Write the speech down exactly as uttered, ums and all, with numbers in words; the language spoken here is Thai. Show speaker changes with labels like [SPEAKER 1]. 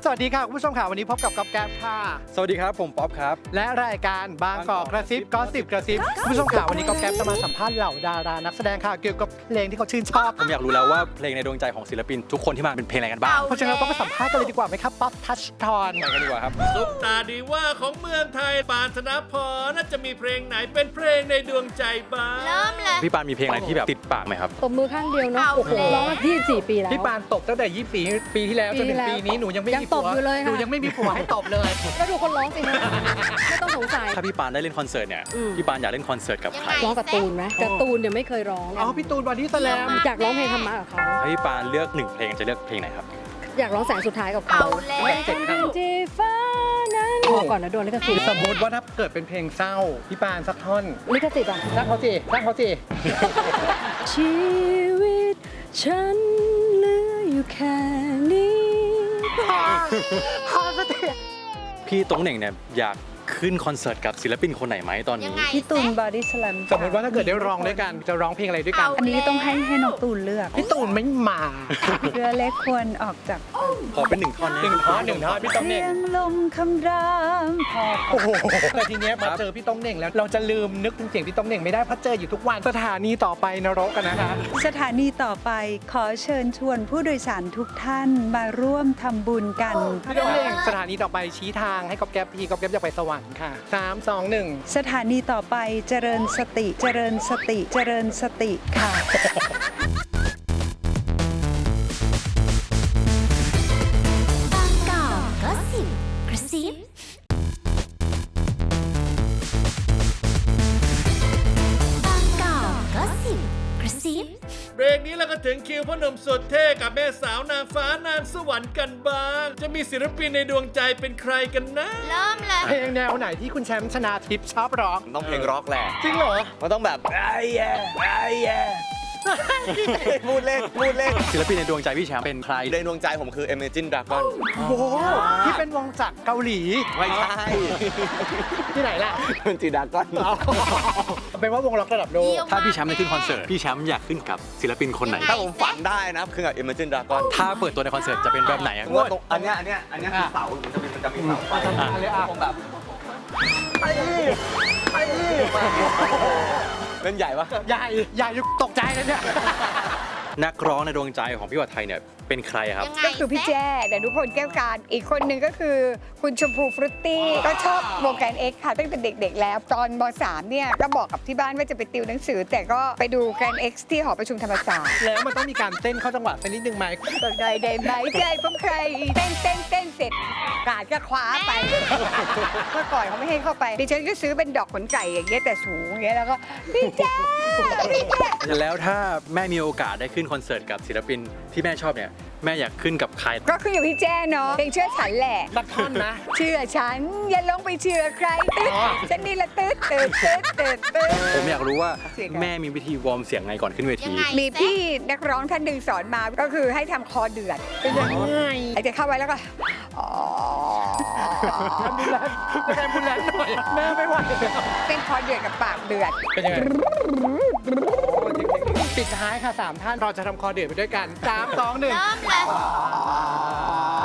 [SPEAKER 1] สวัสดีค่ะคุณผู้ชมค่ะวันนี้พบกับก๊อฟแก๊ปค่ะ
[SPEAKER 2] สวัสดีครับผมป๊อปครับ
[SPEAKER 1] และรายการบางกอกกระซิบก็สิบกระซิบคุณผู้ชมค่ะวันนี้ก๊อฟแก๊ปจะมาสัมภาษณ์เหล่าดารานักแสดงค่ะเกี่ยวกับเพลงที่เขาชื่นชอบ
[SPEAKER 2] ผมอยากรู้แล้วว่าเพลงในดวงใจของศิลปินทุกคนที่มาเป็นเพลงอะไรกันบ้าง
[SPEAKER 1] เพราะฉะนั้นเราต้องไปสัมภาษณ์กันเลยดีกว่าไหมครับป๊อปทัชทอน
[SPEAKER 2] ไปกันดีกว่าครับ
[SPEAKER 3] ซุปตาดีว่าของเมืองไทยปานธนพรน่าจะมีเพลงไหนเป็นเพลงในดวงใจบ้าง
[SPEAKER 4] เริ่มเลย
[SPEAKER 2] พี่ปานมีเพลงอะไรที่แบบติดปากไหมครับ
[SPEAKER 5] ตบมือข้างเดียวเนาะโอ้โหร้องมายี่สิบสี่ปีแล้ว
[SPEAKER 1] พี่ปานตบตั้งแต่ยี่สิบสี่ปีที่แล้วจนถึงปีนี้หนูยังไม่มีผัวหนูยังไม่มีผัวให้ตบเลย
[SPEAKER 5] แล้วดูคนร้องสิฮะไม่ต้องสงสัย
[SPEAKER 2] ถ้าพี่ปานได้เล่นคอนเสิร์ตเนี่ยพี่ปานอยากเล่นคอนเสิร์ตกับใคร
[SPEAKER 5] ร้องการ์ตูนไหมการ์ตูนเนี่ยไม่เคยร้อง
[SPEAKER 1] อ๋อพี่ตูนบอดี้สแลม
[SPEAKER 5] อยากร้องเพลงธรรมะกับเขา
[SPEAKER 2] ถ้าพี่ปานเลือกหนึ่งเพลงจะเลือกเพลงไหนครับ
[SPEAKER 5] อยากร้องแสงสุดท้ายกับเขาที่ฟ้านั้นพอก่อนนะโดนลิขสิทธิ์
[SPEAKER 1] สมมติว่าถ้าเกิดเป็นเพลงเศร้าพี่ปานสักท่อน
[SPEAKER 5] ลิขสิทธิ์อ่ะ
[SPEAKER 1] สร้างเขาสิสร้างเขาสิ
[SPEAKER 5] ชีวิตฉันเหลืออยู่แค่นี้
[SPEAKER 1] พอสติ
[SPEAKER 2] พี่ตงเหน่งเนี่ยอยากขึ้นคอนเสิร์ตกับศิลปินคนไหนไหมตอนนี้
[SPEAKER 5] พี่ตูนบอดี้สแลม
[SPEAKER 1] สมมติว่าถ้าเกิดได้ร้องด้วยกันจะร้องเพลงอะไรด้วยกัน
[SPEAKER 6] อันนี้ต้องให้ให้น้องตูนเลือก
[SPEAKER 1] พี่ตูนไม่มา
[SPEAKER 6] เรือเล็กควรออกจาก
[SPEAKER 2] ขอเป็นหนึ่งท่อน
[SPEAKER 1] หนึ่งท่อนหนึ่งท่อนพี่ตงเหน่ง
[SPEAKER 6] เสียงลมคำรามพอ
[SPEAKER 1] โอ้โหแต่ทีเนี้ยมาเจอพี่ตงเหน่งแล้วเราจะลืมนึกถึงเสียงพี่ตงเหน่งไม่ได้เพราะเจออยู่ทุกวันสถานีต่อไปนรกกันนะคะ
[SPEAKER 6] สถานีต่อไปขอเชิญชวนผู้โดยสารทุกท่านมาร่วมทำบุญกัน
[SPEAKER 1] พี่ตงเหน่งสถานีต่อไปชี้ทางให้ก๊อฟแก๊ปพี่ก๊อฟแก๊ปอยากไปสวรรค์ค่ะสามสองหนึ่ง
[SPEAKER 6] สถานีต่อไปเจริญสติเจริญสติเจริญสติค่ะ
[SPEAKER 4] บางกอกก็สิบกระซิบางกอกก็สิบกระซิบ
[SPEAKER 3] เบรกนี้เราก็ถึงคิวพ่อหนุ่มสุดเท่กับแม่สาวนางฟ้านางสวรรค์กันบ้างจะมีศิลปินในดวงใจเป็นใครกันนะ
[SPEAKER 4] เริ่มเลย
[SPEAKER 1] เพลงแนวไหนที่คุณแชมป์ชนาทิพย์ชอบร้อง
[SPEAKER 2] ต้องเพลงร็อกแหละ
[SPEAKER 1] จริงเหรอ
[SPEAKER 2] มันต้องแบบไอ้แย่ไอ้แย่พูดเล่นพูดเล่นศิลปินในดวงใจพี่แชมป์เป็นใคร
[SPEAKER 7] ในดวงใจผมคือ Imagine Dragon
[SPEAKER 1] โอ้โหที่เป็นวงจากเกาหลี
[SPEAKER 7] ไม่ใช่
[SPEAKER 1] ที่ไหนล่ะ
[SPEAKER 7] เป็นจีดากอน
[SPEAKER 1] เป็นว่าวงล็อกระดับโลก
[SPEAKER 2] ถ้าพี่แชมป์ได้ขึ้นคอนเสิร์ตพี่แชมป์อยากขึ้นกับศิลปินคนไหน
[SPEAKER 7] ถ้าผมฝันได้นะคือกับ Imagine Dragon
[SPEAKER 2] ถ้าเปิดตัวในคอนเสิร์ตจะเป็นแบบไหน
[SPEAKER 7] อันนี้อันนี้อันนี้คือเสามันจะมีมันจะมีเสา
[SPEAKER 1] เลยอ่ะ
[SPEAKER 7] ผมแบบไอ้ไอ้เล่นใหญ่ปะ
[SPEAKER 1] ใหญ่ใหญ่ตกใจเลยเนี่ย
[SPEAKER 2] นักร้องในดวงใจของพี่วัฒน์ไทยเนี่ยเป็นใครครับ
[SPEAKER 6] ก็คือพี่แจ้ดนุพลแก้วการอีกคนหนึ่งก็คือคุณชมพูฟรุตตี้ก็ชอบวงการเอ็กซ์ค่ะตั้งแต่เด็กๆแล้วตอนม.สาม เนี่ยก็บอกกับที่บ้านว่าจะไปติวหนังสือแต่ก็ไปดูแกรนด์เอ็กซ์ที่หอประชุมธรรมศาสตร์
[SPEAKER 1] แล้วมันต้องมีการเต้นเข้าจังหวะสักนิดนึงไหม
[SPEAKER 6] ตกใจได้ไหมใจผมใครเต้นเต้นเต้นเสร็จกาดก็คว้าไปเมื่อก่อนเขาไม่ให้เข้าไปดิฉันก็ซื้อเป็นดอกขนไก่อย่างเงี้ยแต่สูงอย่างเงี้ยแล้วก็พี่แจ้พี่แจ้
[SPEAKER 2] แล้วถ้าแม่มีโอกาสได้ขึ้นคอนเสิร์ตกับศิลปินที่แม่ชอบเนี่ยแม่อยากขึ้นกับใคร
[SPEAKER 6] ก็คืออยู่พี่แจ้เนาะเพลงเชื่อฉันแหละ
[SPEAKER 1] สักท่อนนะ
[SPEAKER 6] เชื่อฉันอย่าลงไปเชื่อใครตึ๊ดฉันนี่ละตึ๊ดตึ๊ดตึ๊ดตึ๊ดตึ๊ด
[SPEAKER 2] ผมอยากรู้ว่าแม่มีวิธีวอร์มเสียงไงก่อนขึ้นเวที
[SPEAKER 6] มีพี่นักร้องท่านหนึ่งสอนมาก็คือให้ทำคอเดือดเป็นยังไงไอ้จะเข้าไว้แล้วก็อ๋อ
[SPEAKER 1] ทำบุญแลนทำบุญแลนหน่อยแม่ไม่ไหว
[SPEAKER 6] เป็นคอเดือดกับปากเดือด
[SPEAKER 1] เป็นยังไงปิดท้ายค่ะสามท่านเราจะทำคอเดือดไปด้วยกันสามสองหนึ่ง
[SPEAKER 4] เริ่มเลย